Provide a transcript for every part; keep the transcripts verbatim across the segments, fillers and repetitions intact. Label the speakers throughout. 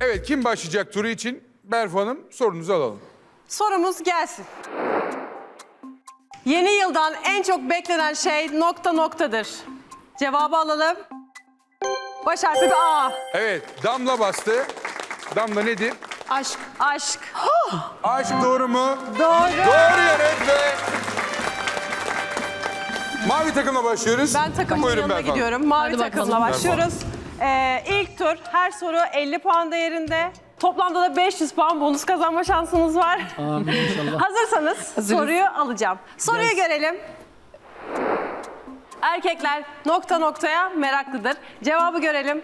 Speaker 1: Evet, kim başlayacak turu için? Berfu Hanım, sorunuzu alalım.
Speaker 2: Sorumuz gelsin. Yeni yıldan en çok beklenen şey nokta noktadır. Cevabı alalım. Baş harfi bir A.
Speaker 1: Evet, Damla bastı. Damla nedir?
Speaker 2: Aşk. Aşk.
Speaker 1: Aşk doğru mu?
Speaker 2: Doğru.
Speaker 1: Doğru yanıt ve... Mavi takımla başlıyoruz.
Speaker 2: Ben takımın
Speaker 1: Buyurun
Speaker 2: yanına
Speaker 1: Berfu Hanım.
Speaker 2: gidiyorum. Mavi
Speaker 3: Hadi bakalım.
Speaker 2: takımla başlıyoruz. Ee, ilk tur her soru elli puan değerinde. Toplamda da beş yüz puan bonus kazanma şansınız var.
Speaker 3: Amin inşallah.
Speaker 2: Hazırsanız soruyu alacağım. Soruyu
Speaker 3: Yes.
Speaker 2: görelim. Erkekler nokta noktaya meraklıdır. Cevabı görelim.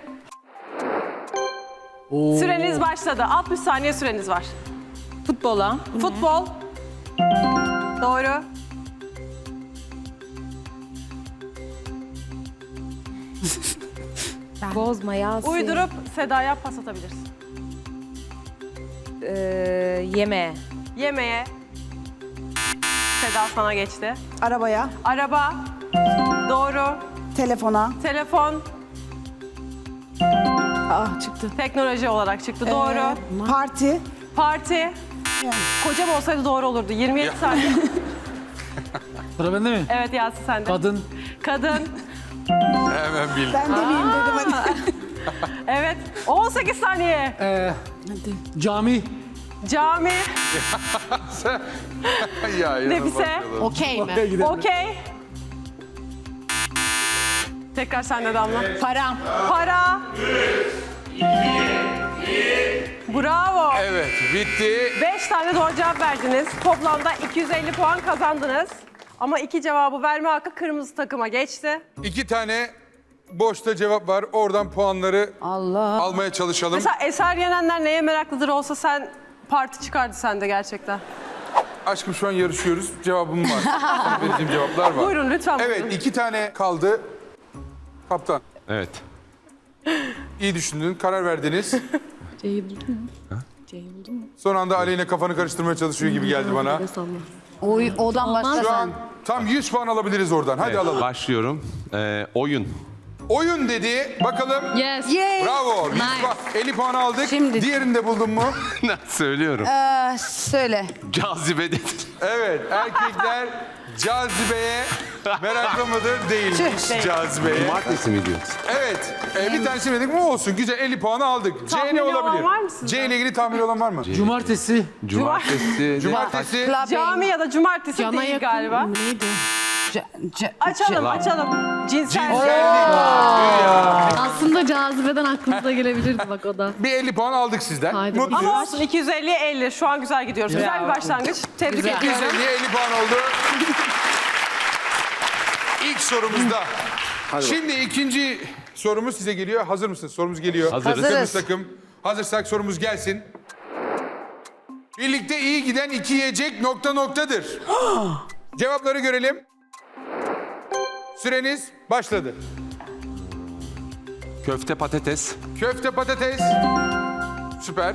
Speaker 3: Oo.
Speaker 2: Süreniz başladı. altmış saniye süreniz var.
Speaker 4: Futbola.
Speaker 2: Futbol. Doğru.
Speaker 4: Bozma Yasin.
Speaker 2: Uydurup Seda'ya pas atabilirsin.
Speaker 4: Ee, yemeğe.
Speaker 2: Yemeğe. Seda sana geçti.
Speaker 5: Arabaya,
Speaker 2: Araba. Doğru.
Speaker 5: telefona,
Speaker 2: Telefon.
Speaker 5: ah çıktı.
Speaker 2: Teknoloji olarak çıktı. Doğru.
Speaker 5: Ee, parti,
Speaker 2: Parti.
Speaker 5: yani.
Speaker 2: Kocam olsaydı doğru olurdu. yirmi yedi saniye.
Speaker 3: Sıra bende mi?
Speaker 2: Evet Yasin sende.
Speaker 3: Kadın.
Speaker 2: Kadın.
Speaker 1: Hemen bildim.
Speaker 5: Ben demeyeyim dedim hadi.
Speaker 2: Evet. on sekiz saniye.
Speaker 3: Ee, cami.
Speaker 2: Cami.
Speaker 1: ya,
Speaker 2: Nefise.
Speaker 4: Okey mi?
Speaker 3: Oraya gidelim.
Speaker 2: Okey. Tekrar sende Damla.
Speaker 4: Para.
Speaker 2: Para. Bravo.
Speaker 1: Evet, bitti.
Speaker 2: Beş tane doğru cevap verdiniz. Toplamda iki yüz elli puan kazandınız. Ama iki cevabı verme hakkı kırmızı takıma geçti.
Speaker 1: İki tane boşta cevap var. Oradan puanları
Speaker 5: Allah.
Speaker 1: almaya çalışalım.
Speaker 2: Mesela Eser Yenenler neye meraklıdır olsa sen parti çıkardı sende gerçekten.
Speaker 1: Aşkım şu an yarışıyoruz. Cevabım var. Sana vereceğim cevaplar var.
Speaker 2: Buyurun lütfen buyurun.
Speaker 1: Evet, iki tane kaldı. Kaptan,
Speaker 6: Evet.
Speaker 1: iyi düşündün, karar verdiniz.
Speaker 3: C'yi buldun mu? C'yi buldun mu?
Speaker 1: Son anda Aleyna kafanı karıştırmaya çalışıyor gibi geldi bana.
Speaker 4: Oy, odan başla.
Speaker 1: Şu an tam yüz puan alabiliriz oradan. Hadi
Speaker 6: Evet,
Speaker 1: alalım.
Speaker 6: başlıyorum. Ee, oyun.
Speaker 1: Oyun dedi. Bakalım.
Speaker 3: Yes.
Speaker 5: Yay.
Speaker 1: Bravo. yüz puan, elli puan aldık.
Speaker 4: Şimdi-
Speaker 1: Diğerini de buldun mu?
Speaker 6: Söylüyorum.
Speaker 5: Ee, söyle.
Speaker 6: Cazibe dedi.
Speaker 1: Evet. Erkekler cazibeye meraklı mıdır? Değilmiş
Speaker 2: Değil.
Speaker 1: cazibeye.
Speaker 6: Cumartesi mi diyorsun?
Speaker 1: Evet. Ee, bir tanesi dedik mi olsun. Güzel elli puanı aldık. C
Speaker 2: Tahmini
Speaker 1: ne
Speaker 2: olan
Speaker 1: olabilir?
Speaker 2: var mı sizde?
Speaker 1: C ile ilgili tahmin olan var mı?
Speaker 3: Cumartesi.
Speaker 6: Cumartesi.
Speaker 1: Cumartesi.
Speaker 2: Cami ya da cumartesi
Speaker 3: Cana
Speaker 2: değil
Speaker 3: yakın.
Speaker 2: galiba.
Speaker 3: Neydi?
Speaker 5: C- c-
Speaker 2: Açalım açalım. Cinsel.
Speaker 3: Aslında cazibeden aklımıza gelebilirdi bak o da.
Speaker 1: Bir elli puan aldık sizden.
Speaker 3: Haydi
Speaker 1: Mutluyuz.
Speaker 2: Ama olsun iki yüz elliye elli. Şu an güzel gidiyoruz. Güzel bir başlangıç. Tebrik
Speaker 1: iki yüz
Speaker 2: ediyorum.
Speaker 1: elliye elli puan oldu. İlk sorumuzda. Şimdi ikinci sorumuz size geliyor. Hazır mısınız? Sorumuz geliyor.
Speaker 6: Hazırız.
Speaker 1: Kırmızı takım. Hazırsak sorumuz gelsin. Birlikte iyi giden iki yiyecek nokta noktadır. Cevapları görelim. Süreniz başladı.
Speaker 6: Köfte patates.
Speaker 1: Köfte patates. Süper.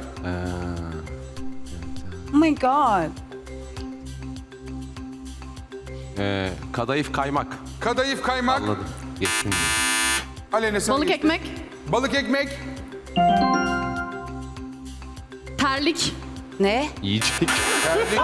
Speaker 5: Oh my god.
Speaker 6: Ee, kadayıf kaymak.
Speaker 1: Kadayıf kaymak.
Speaker 6: Anladım. Geçtim.
Speaker 1: Aleyna sen
Speaker 3: Balık
Speaker 1: geçtin.
Speaker 3: ekmek.
Speaker 1: Balık ekmek.
Speaker 3: Terlik.
Speaker 5: Ne?
Speaker 6: Yiyecek.
Speaker 1: Terlik.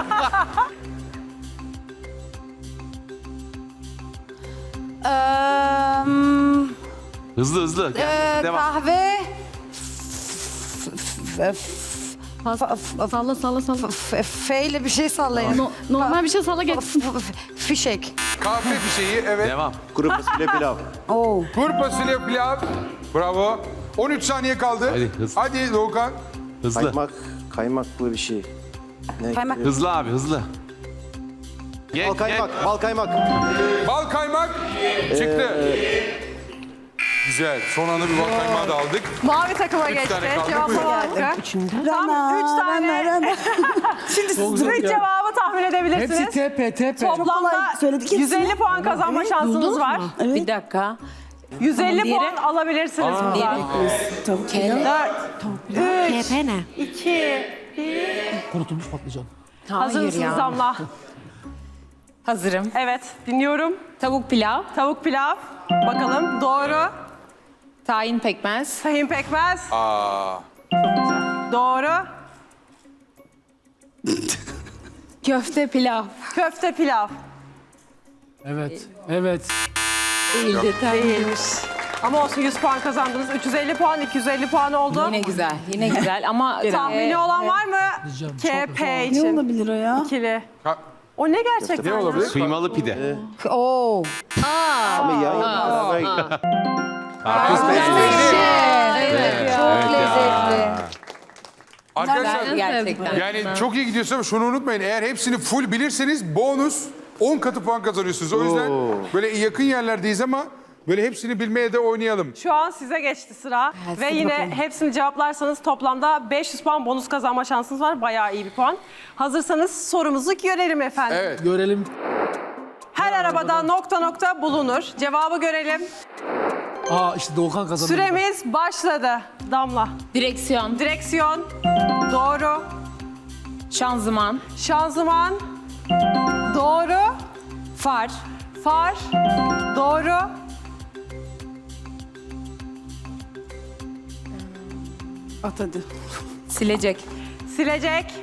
Speaker 5: Ee, hmm,
Speaker 6: Hızlı hızlı.
Speaker 5: ee,
Speaker 6: Devam.
Speaker 5: kahve. F- f-
Speaker 3: Pas,
Speaker 5: f-
Speaker 3: salla salla salla.
Speaker 5: f- F ile bir şey sallayın.
Speaker 3: No- normal bir şey salla geçsin.
Speaker 5: F- f- Fişek.
Speaker 1: Kahve fişeği. Evet.
Speaker 6: Devam.
Speaker 7: Kuru fasulye pilav.
Speaker 5: Oo.
Speaker 1: Kuru fasulye pilav. Bravo. on üç saniye kaldı.
Speaker 6: Hadi, hızlı.
Speaker 1: Hadi Doğukan.
Speaker 6: Hızlı.
Speaker 7: Kaymak, kaymaklı bir şey. Ne?
Speaker 5: Kaymak.
Speaker 6: Hızlı abi hızlı. Geç,
Speaker 7: Bal kaymak,
Speaker 6: geç.
Speaker 7: bal kaymak.
Speaker 1: Bal kaymak çıktı. Güzel. Son anda bir bal kaymağı da aldık.
Speaker 2: Mavi takıma
Speaker 1: Üç
Speaker 2: geçti.
Speaker 1: tane kaldı.
Speaker 2: Cevaplama hakkı. Tam
Speaker 5: Rana,
Speaker 2: üç tane.
Speaker 5: rana, rana. Şimdi
Speaker 3: Çok
Speaker 5: siz
Speaker 3: zor
Speaker 2: Üç
Speaker 3: ya.
Speaker 2: cevabı tahmin edebilirsiniz.
Speaker 3: Hepsi tepe tepe.
Speaker 2: Toplamda
Speaker 5: kolay söyledik
Speaker 2: yüz elli
Speaker 5: hepsini.
Speaker 2: puan kazanma şansınız
Speaker 3: Buldunuz
Speaker 2: var.
Speaker 3: mu?
Speaker 4: Bir dakika.
Speaker 2: yüz elli
Speaker 4: Diğeri-
Speaker 2: puan alabilirsiniz buradan.
Speaker 5: tavuk
Speaker 2: dört, üç,
Speaker 4: Tepe ne?
Speaker 2: iki,
Speaker 3: Kurutulmuş patlıcan.
Speaker 2: hazır
Speaker 4: Hayır
Speaker 2: mısınız
Speaker 4: ya.
Speaker 2: Damla?
Speaker 4: Hazırım.
Speaker 2: Evet, dinliyorum.
Speaker 4: Tavuk pilav,
Speaker 2: Tavuk pilav. Bakalım doğru.
Speaker 4: tahin pekmez,
Speaker 2: Tahin pekmez.
Speaker 1: Aa.
Speaker 2: Çok güzel. Doğru.
Speaker 4: Köfte pilav.
Speaker 2: Köfte pilav.
Speaker 3: Evet. Evet.
Speaker 4: Değildi tabii.
Speaker 2: Değilmiş. Ama olsun yüz puan kazandınız. üç yüz elli puan, iki yüz elli puan oldu.
Speaker 4: Yine güzel. Yine güzel ama
Speaker 2: Tahmini
Speaker 4: e,
Speaker 2: olan var mı?
Speaker 3: Diyeceğim,
Speaker 2: K
Speaker 3: çok
Speaker 2: P
Speaker 5: Ne
Speaker 2: için.
Speaker 5: olabilir o ya?
Speaker 2: İkili.
Speaker 1: Ha,
Speaker 2: O ne gerçekten?
Speaker 1: ne
Speaker 2: ya?
Speaker 1: olabilir?
Speaker 6: Kıymalı pide.
Speaker 5: Oo.
Speaker 7: Ama ya beraber
Speaker 6: Evet,
Speaker 5: Çok
Speaker 6: ya.
Speaker 5: lezzetli.
Speaker 1: Arkadaşlar
Speaker 4: gerçekten.
Speaker 1: yani çok iyi gidiyorsun ama şunu unutmayın. Eğer hepsini full bilirseniz bonus on katı puan kazanıyorsunuz. O yüzden böyle yakın yerlerdeyiz ama böyle hepsini bilmeye de oynayalım.
Speaker 2: Şu an size geçti sıra. Ve yine hepsini cevaplarsanız toplamda beş yüz puan bonus kazanma şansınız var. Bayağı iyi bir puan. Hazırsanız sorumuzu görelim efendim.
Speaker 1: Evet.
Speaker 3: Görelim.
Speaker 2: Her arabada nokta nokta bulunur. Cevabı görelim.
Speaker 3: Aa işte Doğukan kazandı.
Speaker 2: Süremiz başladı. Damla.
Speaker 4: direksiyon,
Speaker 2: Direksiyon. Doğru.
Speaker 4: şanzıman,
Speaker 2: Şanzıman. Doğru.
Speaker 4: far,
Speaker 2: Far. Doğru.
Speaker 5: At hadi.
Speaker 4: silecek,
Speaker 2: Silecek.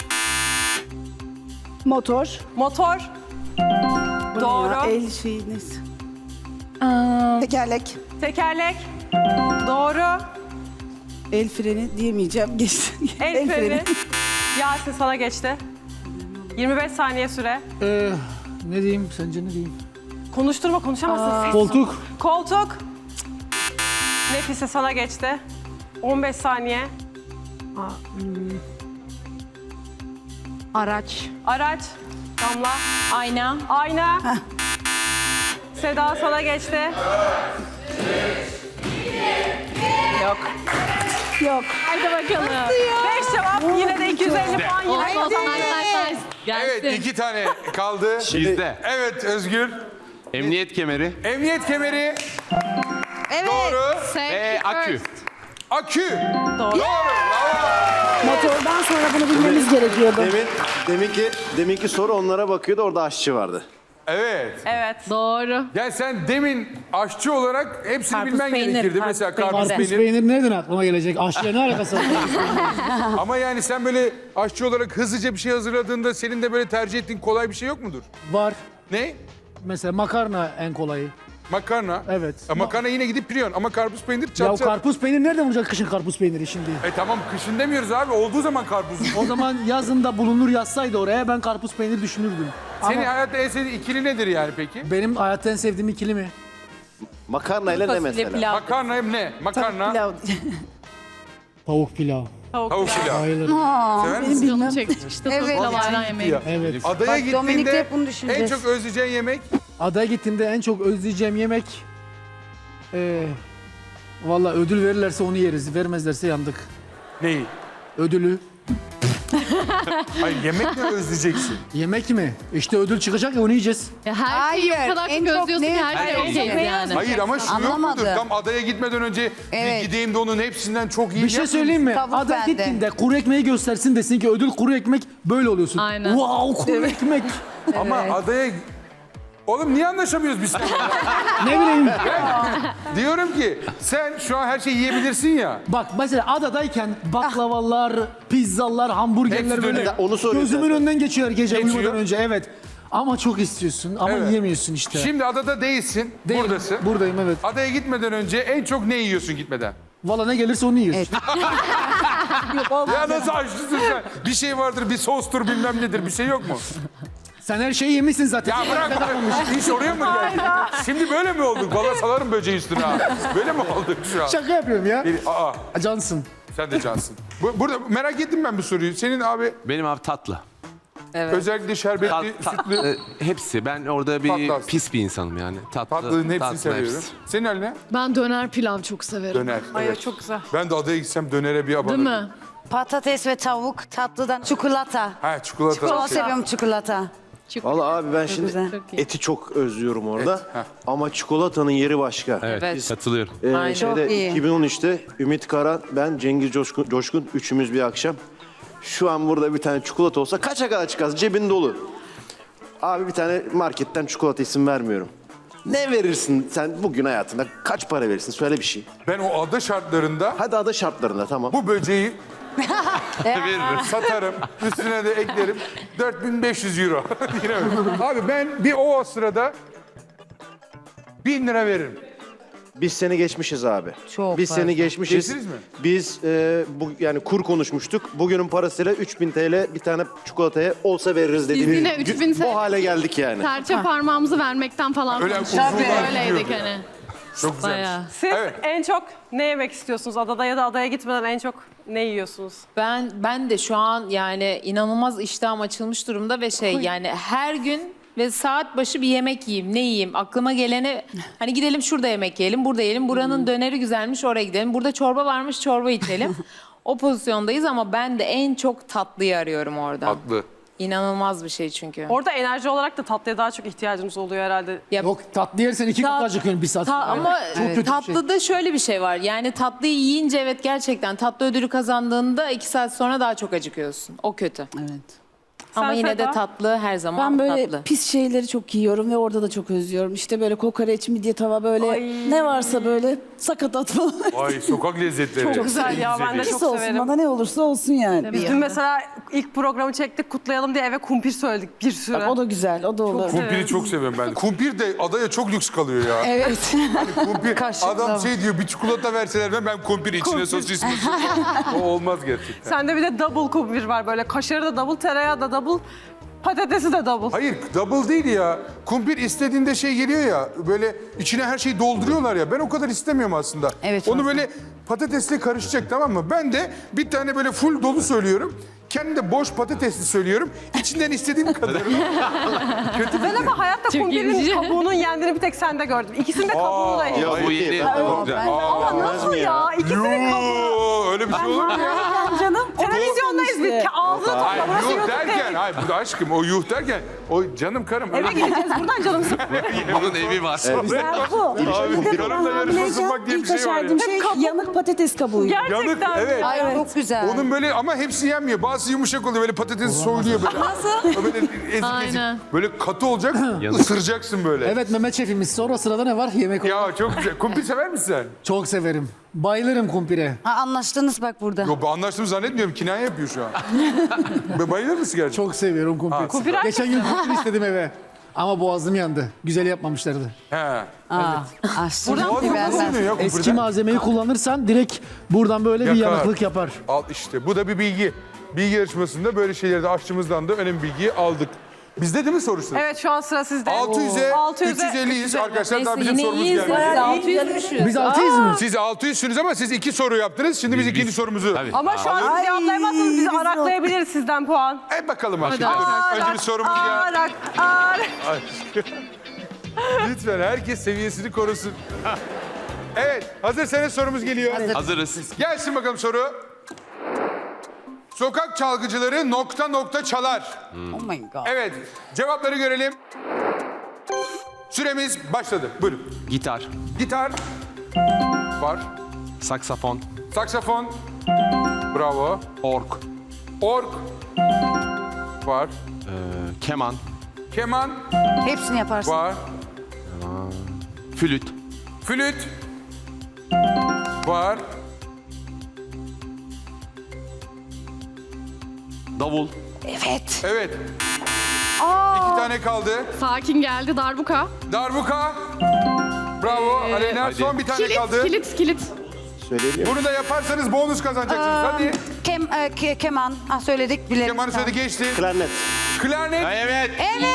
Speaker 5: Motor.
Speaker 2: Motor. Doğru.
Speaker 5: Ya, el şeyi neyse. Tekerlek.
Speaker 2: Tekerlek. Doğru.
Speaker 5: El freni diyemeyeceğim. Geçti.
Speaker 2: El freni. Yasin sana geçti. yirmi beş saniye süre.
Speaker 3: Ee, ne diyeyim? Sence ne diyeyim?
Speaker 2: Konuşturma, konuşamazsın. Ses.
Speaker 3: Koltuk.
Speaker 2: Koltuk. Nefise sana geçti. on beş saniye.
Speaker 5: Araç.
Speaker 2: Araç. Damla.
Speaker 4: ayna,
Speaker 2: Ayna. Seda sana geçti. Yok.
Speaker 5: Yok.
Speaker 3: Haydi bakalım.
Speaker 2: Beş cevap. Yine de iki yüz elli puan. Yine
Speaker 3: Olsun,
Speaker 2: kazandın.
Speaker 3: nice, nice. Gelsin.
Speaker 1: Evet iki tane kaldı.
Speaker 6: Bizde.
Speaker 1: Evet Özgür.
Speaker 6: Emniyet kemeri.
Speaker 1: Emniyet kemeri.
Speaker 5: Evet.
Speaker 1: Doğru.
Speaker 6: Ve akü.
Speaker 1: Akü.
Speaker 2: Doğru.
Speaker 1: Doğru. Bravo.
Speaker 5: Motordan sonra bunu bilmemiz gerekiyordu.
Speaker 7: Demin, deminki, deminki soru onlara bakıyordu, orada aşçı vardı.
Speaker 1: Evet.
Speaker 2: Evet.
Speaker 3: Doğru.
Speaker 1: Ya sen demin aşçı olarak hepsini
Speaker 4: Karpuz
Speaker 1: bilmen
Speaker 4: peynir,
Speaker 1: gerekirdi.
Speaker 4: karpuz
Speaker 1: Mesela
Speaker 4: peynir.
Speaker 1: karpuz
Speaker 3: Karpuz
Speaker 1: peynir.
Speaker 3: peynir nereden aklıma gelecek? Aşçıya ne alakası var?
Speaker 1: Ama yani sen böyle aşçı olarak hızlıca bir şey hazırladığında senin de böyle tercih ettiğin kolay bir şey yok mudur?
Speaker 3: Var.
Speaker 1: Ne?
Speaker 3: Mesela makarna en kolayı.
Speaker 1: Makarna.
Speaker 3: Evet.
Speaker 1: E, makarna yine gidip piriyorsun ama karpuz peynir
Speaker 3: Ya
Speaker 1: çat çat.
Speaker 3: karpuz peynir nereden bulacak kışın karpuz peyniri şimdi?
Speaker 1: E tamam kışın demiyoruz abi. Olduğu zaman karpuz.
Speaker 3: O zaman yazında bulunur yazsaydı oraya ben karpuz peynir düşünürdüm.
Speaker 1: Senin
Speaker 3: Ama
Speaker 1: hayatta en sevdiğin ikili nedir yani peki?
Speaker 3: benim hayatta en sevdiğim ikili mi?
Speaker 7: Makarnayla ne
Speaker 4: fasulye
Speaker 7: mesela?
Speaker 4: pilav.
Speaker 1: Makarna hem ne? Makarna,
Speaker 5: Pilav.
Speaker 3: Tavuk pilav.
Speaker 1: tavuk pilav.
Speaker 3: Bayılırım.
Speaker 1: Sever misin?
Speaker 5: Bilmem.
Speaker 3: Çekmişti.
Speaker 5: Evet.
Speaker 3: Ayran yemeği. Evet.
Speaker 1: Adaya
Speaker 5: Bak, Dominik'te
Speaker 1: gittiğinde
Speaker 5: hep bunu
Speaker 1: en
Speaker 5: düşüneceğiz.
Speaker 1: çok özleyeceğin yemek?
Speaker 3: Adaya gittiğimde en çok özleyeceğim yemek... Ee, Valla ödül verirlerse onu yeriz. Vermezlerse yandık.
Speaker 1: Neyi?
Speaker 3: Ödülü.
Speaker 1: Hayır yemek ne özleyeceksin?
Speaker 3: Yemek mi? İşte ödül çıkacak ya onu yiyeceğiz.
Speaker 8: Ya her şeyi
Speaker 5: Hayır,
Speaker 8: o kadar
Speaker 5: en
Speaker 8: çok
Speaker 5: çok
Speaker 8: özlüyorsun
Speaker 5: ne-
Speaker 8: ki her şey
Speaker 1: Hayır,
Speaker 8: okeyiz
Speaker 5: ne
Speaker 8: yani.
Speaker 1: Hayır ama şu yok mudur?
Speaker 5: Anlamadım.
Speaker 1: Tam adaya gitmeden önce
Speaker 5: Evet.
Speaker 1: bir gideyim de onun hepsinden çok iyi
Speaker 3: Bir şey
Speaker 1: yapayım.
Speaker 3: söyleyeyim mi?
Speaker 5: Tavuk
Speaker 3: Adaya
Speaker 5: bende.
Speaker 3: gittiğinde kuru ekmeği göstersin desin ki ödül kuru ekmek böyle oluyorsun.
Speaker 8: Aynen.
Speaker 3: Wow kuru ekmek.
Speaker 1: Ama adaya... Oğlum niye anlaşamıyoruz biz seninle?
Speaker 3: Ne bileyim.
Speaker 1: Diyorum ki sen şu an her şeyi yiyebilirsin ya.
Speaker 3: Bak mesela adadayken baklavalar, pizzalar, hamburgerler
Speaker 1: Hepsi
Speaker 3: böyle
Speaker 1: dönüyor.
Speaker 7: Onu soruyor
Speaker 3: gözümün
Speaker 7: zaten.
Speaker 3: önünden geçiyor gece
Speaker 1: Geçiyor.
Speaker 3: uyumadan önce. Evet. Ama çok istiyorsun ama
Speaker 1: Evet.
Speaker 3: yiyemiyorsun işte.
Speaker 1: Şimdi adada değilsin,
Speaker 3: Değilim.
Speaker 1: buradasın.
Speaker 3: Buradayım evet.
Speaker 1: Adaya gitmeden önce en çok ne yiyorsun gitmeden?
Speaker 3: Valla ne gelirse onu yiyorsun.
Speaker 1: Ya nasıl açlısın sen? Bir şey vardır, bir sostur bilmem nedir, bir şey yok mu?
Speaker 3: Sen her şeyi yemişsin zaten.
Speaker 1: Ya bırak bırak. İş oraya mı geldi? Şimdi böyle mi olduk? Valla salarım böceği üstüne ha. Böyle mi olduk şu an?
Speaker 3: Şaka yapıyorum ya.
Speaker 1: Aa,
Speaker 3: Cansın.
Speaker 1: sen de cansın. Bu- Burada merak ettim ben bu soruyu. Senin abi
Speaker 6: Benim abi tatlı.
Speaker 1: özellikle şerbetli,
Speaker 6: Tat- ta-
Speaker 1: sütlü,
Speaker 6: e, hepsi. Ben orada bir
Speaker 1: Tatlı aslında.
Speaker 6: pis bir insanım yani. Tatlı,
Speaker 1: tatlının hepsini
Speaker 6: tatlı
Speaker 1: seviyorum.
Speaker 6: hepsi.
Speaker 1: Senin haline?
Speaker 8: Ben döner pilav çok severim.
Speaker 1: Döner.
Speaker 2: Ay
Speaker 1: evet.
Speaker 2: çok güzel.
Speaker 1: Ben de adaya gitsem dönere bir abanırım.
Speaker 8: Değil mi?
Speaker 5: Patates ve tavuk, tatlıdan çikolata.
Speaker 1: Ha çikolata.
Speaker 5: Çok seviyorum çikolata.
Speaker 7: Vallahi abi ben şimdi
Speaker 5: güzel.
Speaker 7: eti çok özlüyorum orada.
Speaker 1: Et, heh.
Speaker 7: Ama çikolatanın yeri başka.
Speaker 6: Evet,
Speaker 4: Evet.
Speaker 6: katılıyorum.
Speaker 7: Ee,
Speaker 4: Aynen.
Speaker 7: şeyde,
Speaker 5: Çok iyi.
Speaker 7: iki bin on üçte Ümit Karan, ben Cengiz Coşkun, Coşkun üçümüz bir akşam. Şu an burada bir tane çikolata olsa kaça kadar çıkarsın? Cebin dolu. Abi bir tane marketten çikolata isim vermiyorum. Ne verirsin sen bugün hayatında? Kaç para verirsin? Söyle bir şey.
Speaker 1: Ben o ada şartlarında
Speaker 7: Hadi ada şartlarında tamam.
Speaker 1: bu böceği
Speaker 6: Veririm.
Speaker 1: Satarım. Üstüne de eklerim. dört bin beş yüz euro. Yine öyle. Abi ben bir o sırada bin lira veririm.
Speaker 7: Biz seni geçmişiz abi.
Speaker 5: Çok
Speaker 7: Biz
Speaker 5: fazla.
Speaker 7: seni geçmişiz.
Speaker 1: Geçtiniz mi?
Speaker 7: Biz e, bu yani kur konuşmuştuk. Bugünün parasıyla üç bin T L bir tane çikolataya olsa veririz dediğimiz.
Speaker 8: yine üç bin
Speaker 7: Bu hale geldik yani.
Speaker 8: Serçe parmağımızı vermekten falan
Speaker 1: Öyle
Speaker 8: konuşuyoruz.
Speaker 1: uzun
Speaker 8: Öyleydik
Speaker 1: diyordu.
Speaker 8: hani.
Speaker 1: Çok güzelmiş.
Speaker 4: Bayağı.
Speaker 2: Siz
Speaker 1: Evet.
Speaker 2: en çok ne yemek istiyorsunuz? Adada ya da adaya gitmeden en çok ne yiyorsunuz?
Speaker 4: Ben ben de şu an yani inanılmaz iştahım açılmış durumda ve şey yani her gün ve saat başı bir yemek yiyeyim. Ne yiyeyim? Aklıma geleni hani gidelim şurada yemek yiyelim, burada yiyelim. Buranın döneri güzelmiş, oraya gidelim. Burada çorba varmış, çorba içelim. O pozisyondayız ama ben de en çok tatlıyı arıyorum orada.
Speaker 1: Tatlı.
Speaker 4: İnanılmaz bir şey çünkü.
Speaker 2: Orada enerji olarak da tatlıya daha çok ihtiyacımız oluyor herhalde.
Speaker 4: Ya-
Speaker 3: Yok tatlı yersen iki
Speaker 4: Ta-
Speaker 3: kutu acıkıyorsun bir saat
Speaker 4: Ta-
Speaker 3: sonra.
Speaker 4: ama
Speaker 3: Çok kötü bir şey.
Speaker 4: tatlıda şöyle bir şey var. Yani tatlıyı yiyince evet gerçekten tatlı ödülü kazandığında iki saat sonra daha çok acıkıyorsun. O kötü.
Speaker 9: Evet.
Speaker 4: Ama
Speaker 2: Sen
Speaker 4: yine de
Speaker 2: Seda?
Speaker 4: tatlı her zaman
Speaker 9: Ben böyle
Speaker 4: tatlı.
Speaker 9: pis şeyleri çok yiyorum ve orada da çok özlüyorum. İşte böyle kokoreç, midye tava böyle
Speaker 2: Ay.
Speaker 9: ne varsa böyle sakatat falan.
Speaker 1: Ay sokak lezzetleri.
Speaker 2: Çok güzel ya, ben de
Speaker 9: Pis
Speaker 2: çok
Speaker 9: olsun
Speaker 2: severim.
Speaker 9: bana ne olursa olsun yani.
Speaker 2: Biz dün mesela ilk programı çektik, kutlayalım diye eve kumpir söyledik bir sürü.
Speaker 9: Bak, o da güzel, o da olur.
Speaker 1: Kumpiri çok seviyorum ben. Kumpir de adaya çok lüks kalıyor ya.
Speaker 9: Evet.
Speaker 1: Kumpir,
Speaker 9: Kaşıkla.
Speaker 1: adam şey diyor bir çikolata verseler ben, ben kumpir içine sosis mi? O olmaz gerçekten.
Speaker 2: Sende bir de double kumpir var böyle. Kaşarı da double, tereyağı da double, patatesi de double.
Speaker 1: Hayır double değil ya. Kumpir istediğinde şey geliyor ya. Böyle içine her şeyi dolduruyorlar ya. Ben o kadar istemiyorum aslında.
Speaker 9: Evet,
Speaker 1: Onu
Speaker 9: fazla.
Speaker 1: böyle patatesle karışacak, tamam mı? Ben de bir tane böyle full dolu söylüyorum. Kendi de boş patatesli söylüyorum. İçinden istediğim kadar.
Speaker 2: Ben ama hayatta kumpirin kabuğunun yendiğini bir tek sende gördüm. İkisinin de kabuğunu da yedim.
Speaker 6: Bu yeni. Çok güzel.
Speaker 2: Ama nasıl ya? İkisinin kabuğu.
Speaker 1: Oo, öyle bir şey olur mu ya?
Speaker 9: Canım.
Speaker 2: Televizyondayız biz. Ağzını topla.
Speaker 1: Hayır,
Speaker 2: Burası
Speaker 1: yuh
Speaker 2: YouTube
Speaker 1: derken,
Speaker 2: değil.
Speaker 1: hayır burada aşkım o yuh derken, o canım karım.
Speaker 2: Eve gideceğiz buradan canım sıkılıyor.
Speaker 6: Bunun evi var.
Speaker 9: Bu.
Speaker 1: Abi, karımla yarışma sunmak diye bir şey var ya.
Speaker 9: şey yanık patates kabuğu.
Speaker 1: Yanık,
Speaker 2: Gerçekten.
Speaker 1: evet.
Speaker 5: Ay çok güzel.
Speaker 1: Onun böyle ama hepsi yenmiyor. Bazı yumuşak oluyor, böyle patatesi soyuluyor böyle. Nasıl? Böyle ezik ezik.
Speaker 8: Aynen.
Speaker 1: Böyle katı olacak, ısıracaksın böyle.
Speaker 3: Evet Mehmet şefimiz sonra sırada ne var? Yemek olarak.
Speaker 1: Ya çok güzel. Kumpir sever misin sen?
Speaker 3: Çok severim. Bayılırım kumpire.
Speaker 5: Ha, anlaştınız bak burada.
Speaker 1: Yok, anlaştığımı zannetmiyorum. Kinaye yapıyor şu an. Be- Bayılır mısın gerçekten?
Speaker 3: Çok seviyorum kumpir.
Speaker 2: Kumpir
Speaker 3: Geçen gün kumpir istedim eve. Ama boğazım yandı. Güzel yapmamışlardı.
Speaker 1: He.
Speaker 5: Aa, açtım.
Speaker 1: Boğazın nasıl yanıyor ya
Speaker 3: Eski
Speaker 1: kumpirden?
Speaker 3: malzemeyi kullanırsan direkt buradan böyle bir
Speaker 1: Yakar.
Speaker 3: yanıklık yapar.
Speaker 1: Al işte. Bu da bir bilgi. Bilgi yarışmasında böyle şeyleri de aşçımızdan da önemli bilgiyi aldık. Bizde değil mi sorusu?
Speaker 2: Evet şu an sıra sizde.
Speaker 1: altı yüze
Speaker 2: altı yüze
Speaker 1: üç yüz elliyiz arkadaşlar. Daha
Speaker 4: Neyse
Speaker 1: bizim
Speaker 4: yine
Speaker 1: sorumuz
Speaker 4: iyiyiz.
Speaker 1: gelmedi.
Speaker 4: ya. altı yüzmüşüz.
Speaker 3: Biz altıyız mı?
Speaker 1: Siz altı yüzsünüz ama siz iki soru yaptınız. Şimdi biz, ikinci sorumuzu.
Speaker 6: Tabii.
Speaker 2: Ama şu an siz cevaplayamazsanız biz araklayabiliriz sizden puan.
Speaker 1: E bakalım aşkım.
Speaker 8: Hadi.
Speaker 1: Önce bir sorumuz ya.
Speaker 2: Arak, arak.
Speaker 1: Lütfen herkes seviyesini korusun. Evet, hazırsanız sorumuz geliyor.
Speaker 6: Hazırız.
Speaker 1: Gelsin bakalım soru. Sokak çalgıcıları nokta nokta çalar.
Speaker 9: Oh my god.
Speaker 1: Evet, cevapları görelim. Süremiz başladı. Buyurun.
Speaker 6: Gitar,
Speaker 1: Gitar var.
Speaker 6: saksafon,
Speaker 1: Saksafon. Bravo.
Speaker 6: org,
Speaker 1: Org var.
Speaker 6: e, keman,
Speaker 1: Keman
Speaker 5: Hepsini yaparsın.
Speaker 1: var.
Speaker 6: flüt,
Speaker 1: Flüt var.
Speaker 6: davul,
Speaker 5: Evet.
Speaker 1: Evet. İki tane kaldı.
Speaker 8: Sakin geldi darbuka.
Speaker 1: Darbuka. Bravo. Aleyna
Speaker 6: Hadi.
Speaker 1: son bir tane
Speaker 8: Kilit,
Speaker 1: kaldı.
Speaker 8: kilit, kilit.
Speaker 7: Söyleyelim.
Speaker 1: Bunu da yaparsanız bonus kazanacaksınız. Hadi.
Speaker 5: Kem, e, ke- keman. Ha, söyledik bilelim.
Speaker 1: Kemanı söyledi, geçti.
Speaker 7: Klarnet.
Speaker 1: Klarnet.
Speaker 6: evet.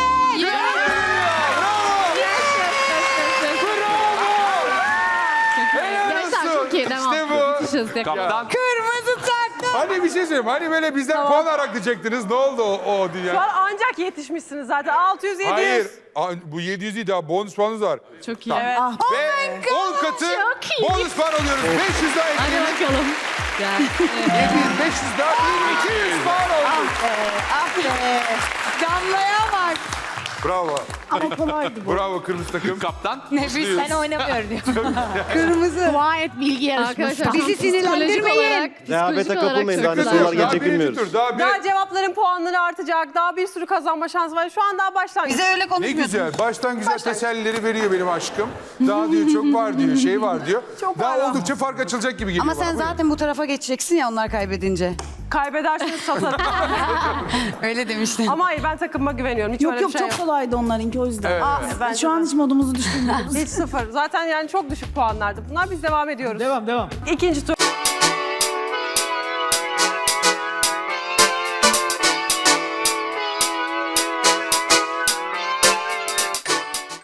Speaker 8: Gençler çok iyi, devam.
Speaker 1: İşte bu.
Speaker 8: Yetişiriz tekrar.
Speaker 6: Kaptan,
Speaker 5: Kırmızı taktı.
Speaker 1: Hani bir şey söyleyeyim. Hani böyle bizden puan araklayacaktınız. Ne oldu o, o
Speaker 2: Şu
Speaker 1: dünya?
Speaker 2: an ancak yetişmişsiniz zaten. altı yüz, yedi yüz.
Speaker 1: Hayır. Aa, bu yedi yüz değil, daha bonus puanınız var.
Speaker 8: Çok iyi.
Speaker 2: Evet.
Speaker 1: Ve on katı
Speaker 8: çok iyi.
Speaker 1: bonus puan alıyoruz. beş yüz daha
Speaker 8: Hadi
Speaker 1: ekleyelim.
Speaker 8: bakalım. Gel.
Speaker 1: yedi yüz, beş yüz daha bin iki yüz puan oldu.
Speaker 5: Ah be. Damlaya bak.
Speaker 1: Bravo.
Speaker 9: Ama kolaydı bu.
Speaker 1: Bravo kırmızı takım.
Speaker 6: Kaptan.
Speaker 5: Nefis.
Speaker 4: Ben oynamıyorum diyor.
Speaker 5: Kırmızı.
Speaker 8: Dua et bilgi yarışması.
Speaker 5: Bizi
Speaker 8: Tamam. Psikolojik
Speaker 5: sinirlendirmeyin.
Speaker 8: olarak,
Speaker 7: Rehavete
Speaker 8: psikolojik olarak
Speaker 7: kapılmayın,
Speaker 8: çok
Speaker 7: daha ne
Speaker 8: güzel.
Speaker 7: sorular
Speaker 1: Daha
Speaker 7: gelecek
Speaker 1: birinci
Speaker 7: bilmiyoruz.
Speaker 1: tur. Daha bir...
Speaker 2: Daha cevapların puanları artacak. Daha bir sürü kazanma şansı var. Şu an daha başlangıç.
Speaker 5: Bize öyle
Speaker 1: Ne
Speaker 5: konuşmuyorsun.
Speaker 1: güzel. Baştan güzel tesellileri veriyor benim aşkım. Daha diyor çok var diyor, şey var diyor.
Speaker 2: Çok
Speaker 1: Daha
Speaker 2: var.
Speaker 1: oldukça fark açılacak gibi geliyor
Speaker 5: Ama
Speaker 1: bana.
Speaker 5: sen
Speaker 1: Buyurun.
Speaker 5: zaten bu tarafa geçeceksin ya onlar kaybedince.
Speaker 2: Kaybederseniz satarım.
Speaker 5: Öyle demiştin.
Speaker 2: Ama hayır, ben takımıma güveniyorum. Hiç
Speaker 9: Yok
Speaker 2: öyle
Speaker 9: yok
Speaker 2: bir şey
Speaker 9: çok
Speaker 2: yok.
Speaker 9: kolaydı onlarınki o yüzden.
Speaker 1: Evet,
Speaker 2: Aa, bence
Speaker 9: Şu an
Speaker 2: de.
Speaker 9: hiç modumuzu düşürmüyoruz.
Speaker 2: Hiç sıfır. Zaten yani çok düşük puanlardı bunlar. Biz devam ediyoruz.
Speaker 3: Devam devam.
Speaker 2: İkinci tur.